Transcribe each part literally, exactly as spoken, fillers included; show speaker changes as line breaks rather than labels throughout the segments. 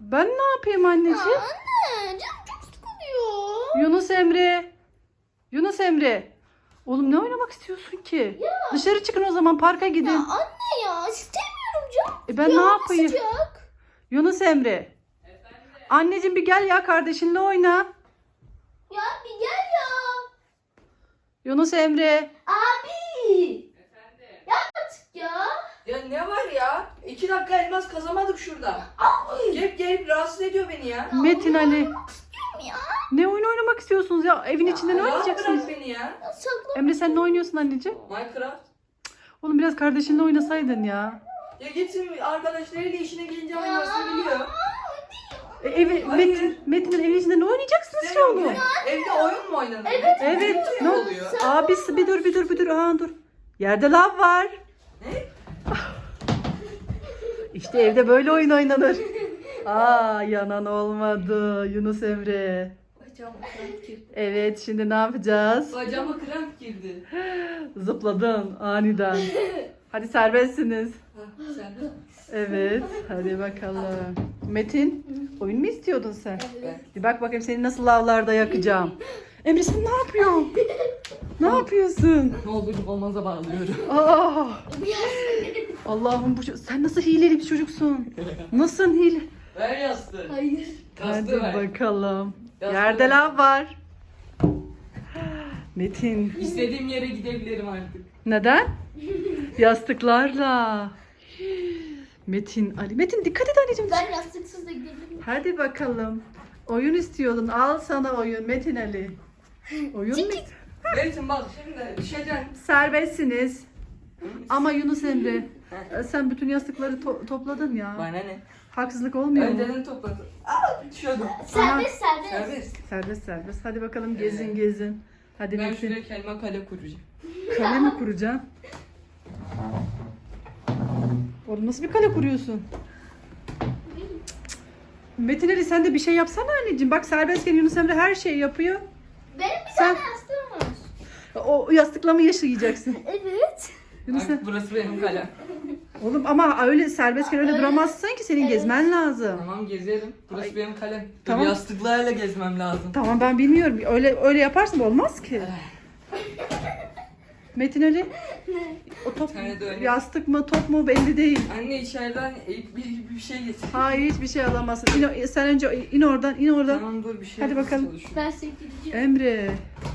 Ben ne yapayım anneciğim?
Ya anne canım çok sıkılıyor.
Yunus Emre. Yunus Emre. Oğlum ne oynamak istiyorsun ki?
Ya.
Dışarı çıkın o zaman, parka gidin.
Ya anne ya istemiyorum canım.
E ben
Ya,
ne yapayım?
Sıcak.
Yunus Emre. Anneciğim bir gel ya, kardeşinle oyna.
Ya bir gel ya.
Yunus Emre.
Abi.
Efendim?
Ya artık ya.
Ya ne var ya? İki dakika elmas kazamadık şurada.
Abi.
Gelip gelip rahatsız ediyor beni ya.
Metin Ali.
İstiyorum ya.
Ne oyun oynamak istiyorsunuz ya? Evin içinde ne
Rahat
oynayacaksınız?
bırak beni ya.
Sakla.
Emre sen ne oynuyorsun anneciğim?
Minecraft.
Oğlum biraz kardeşinle oynasaydın ya.
Ya gitsin arkadaşlarıyla işine gelince oynamasını biliyor.
E, evi,
Hayır.
Metin, Metin'in evin içinde ne oynayacaksınız şu
Demiyorum
oğlum?
ya. Evde oyun mu oynanır?
Evet.
Evet.
Ne
Ne
oluyor?
Abisi bir dur bir dur bir dur. Aa dur. Yerde lav var.
Ne?
İşte evde böyle oyun oynanır. Aa yanan olmadı Yunus Emre.
Bacağıma kramp girdi.
Evet şimdi ne yapacağız?
Bacağıma kramp girdi.
Zıpladın aniden. Hadi serbestsiniz.
Ha, sen de.
Evet hadi bakalım. Metin oyun mu istiyordun sen?
Ben.
Bir bak bakayım seni nasıl lavlarda yakacağım. Emre sen ne yapıyorsun? Ne yapıyorsun?
Ne olur olmaza bağlıyorum.
Aa, Allah'ım bu ço- sen nasıl hileli bir çocuksun? Nasıl hile?
Ver yastığı.
Hayır.
Hadi
Yastığı ver.
bakalım.
Yastığı
Yerde
ver.
lav var. Metin.
İstediğim yere gidebilirim artık.
Neden? Yastıklarla. Metin Ali. Metin dikkat et anneciğim.
Ben yastıksız da gidebilirim.
Hadi bakalım. Oyun istiyordun. Al sana oyun Metin Ali. Oyun mu?
Metin bak şimdi düşeceksin.
Serbestsiniz. Ama Yunus Emre sen bütün yastıkları to- topladın ya.
Bana ne?
Haksızlık olmuyor mu?
Önceden topladım. Aa düşüyordum.
Serbest serbest.
Serbest.
Serbest serbest. Hadi bakalım gezin gezin. Hadi
Ben
Metin.
şuraya kendime kale kuracağım.
Kale mi kuracaksın? Oğlum nasıl bir kale kuruyorsun? Metin Ali sen de bir şey yapsana anneciğim. Bak serbestken Yunus Emre her şeyi yapıyor.
Benim bir
Sen-
tane yastığım var.
O yastıkla mı yaşayacaksın?
Evet.
Yunus
Bak, burası benim kalem.
Oğlum ama öyle serbestken öyle duramazsın ki senin
Evet.
gezmen lazım.
Tamam gezerim. Burası
Ay.
benim kalem. Dur
Tamam.
yastıklarla gezmem lazım.
Tamam ben bilmiyorum. Öyle öyle yaparsın olmaz ki. Metin Ali o top
Bir tane de öyle.
yastık mı top mu belli değil.
Anne içeriden bir, bir, bir şey getir.
Hayır hiçbir şey alamazsın. İn, o- sen önce in oradan in oradan.
Tamam dur bir şey
Hadi
yapmaya
bakalım.
çalışıyorum.
Ben seni gideceğim.
Emre.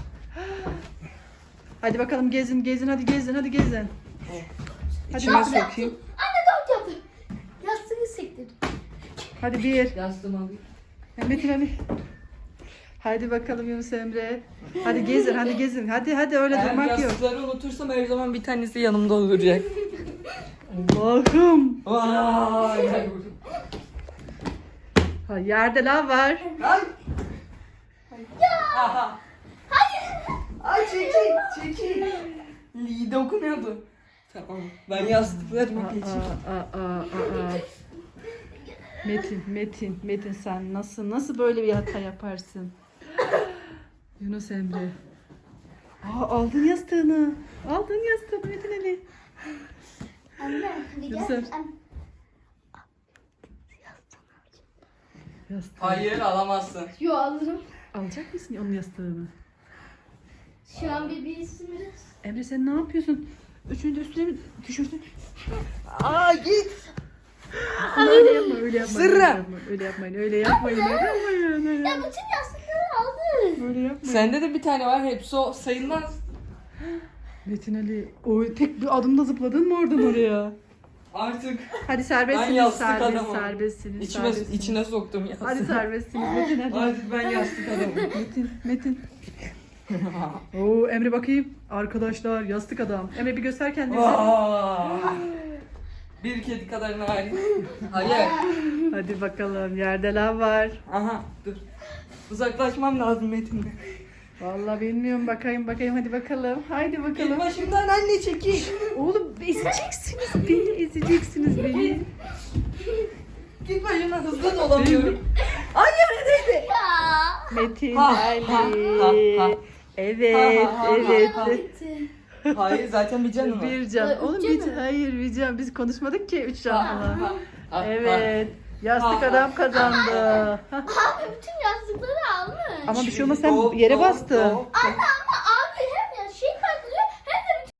Hadi bakalım gezin gezin hadi gezin hadi gezin. Hadi
İçime
bakalım.
sokayım.
Anne dört yaptı. Yastığı sektirdim.
Hadi bir.
Yastığımı alayım.
Metin Ali. Hadi bakalım Yunus Emre. Hadi gezin hadi gezin. Hadi hadi öyle
Eğer
durmak yok.
yastıkları unutursam her zaman bir tanesi yanımda olacak.
Allah'ım.
Vay.
Ha, yerde lav var.
Ay. Ya. Hayır. Ay çekil çekil. Li dokunuyordu. Tamam. Ben yastıklarımı
Aa,
geçeyim.
aa, aa, aa, aa. Metin, Metin, Metin sen nasıl nasıl böyle bir hata yaparsın? Yunus Emre. Aa, aldın yastığını. Aldın yastığını Metin Ali.
Anne hadi gel.
Güzel.
Anne.
Yastığı.
Hayır alamazsın.
Yo alırım.
Alacak mısın onun yastığını?
Şu an bir bilsin biraz.
Emre sen ne yapıyorsun? Üçünü de üstüne mi düşürdün?
Aa git.
Öyle yapma, öyle yapma.
Sırra.
Öyle yapmayın, öyle yapmayın, öyle yapmayın. Öyle
Ya
yapmayın.
bütün yastıkları aldı.
Öyle yapmayın.
Sende de bir tane var. Hepsi o sayılmaz.
Metin Ali, o tek bir adımda zıpladın mı oradan oraya?
Artık
Hadi
ben
serbestsiniz,
yastık
serbest,
adamım.
serbestsiniz,
İçime,
serbestsiniz.
içine soktum yastığı.
Hadi serbestsiniz Metin Ali.
Artık ben yastık adamım.
Metin, Metin. Oo Emre bakayım. Arkadaşlar yastık adam. Emre bir göster kendini.
Vay. Bir kedi kadar narin. Hayır.
Hadi bakalım yerde lav var.
Aha dur. Uzaklaşmam lazım Metin'le.
Vallahi bilmiyorum bakayım bakayım hadi bakalım. Haydi
Git
bakalım.
başımdan anne çekil.
Oğlum ezeceksiniz beni, ezeceksiniz beni.
Git başımdan hızlı dolamıyorum. Hayır neydi?
Ya.
Metin
Ha,
Ali.
ha, ha, ha.
Evet,
Ha, ha, ha,
evet.
ha.
Bitti.
Hayır zaten bir canım var.
Bir can.
Üç
Oğlum
can
bir
mı?
hayır bir can. Biz konuşmadık ki üç can
Ha,
falan.
ha, ha,
Evet. Yastık adam kazandı. Hah.
Abi bütün yastıkları almış.
Ama bir şey olmaz, sen yere bastın.
Anne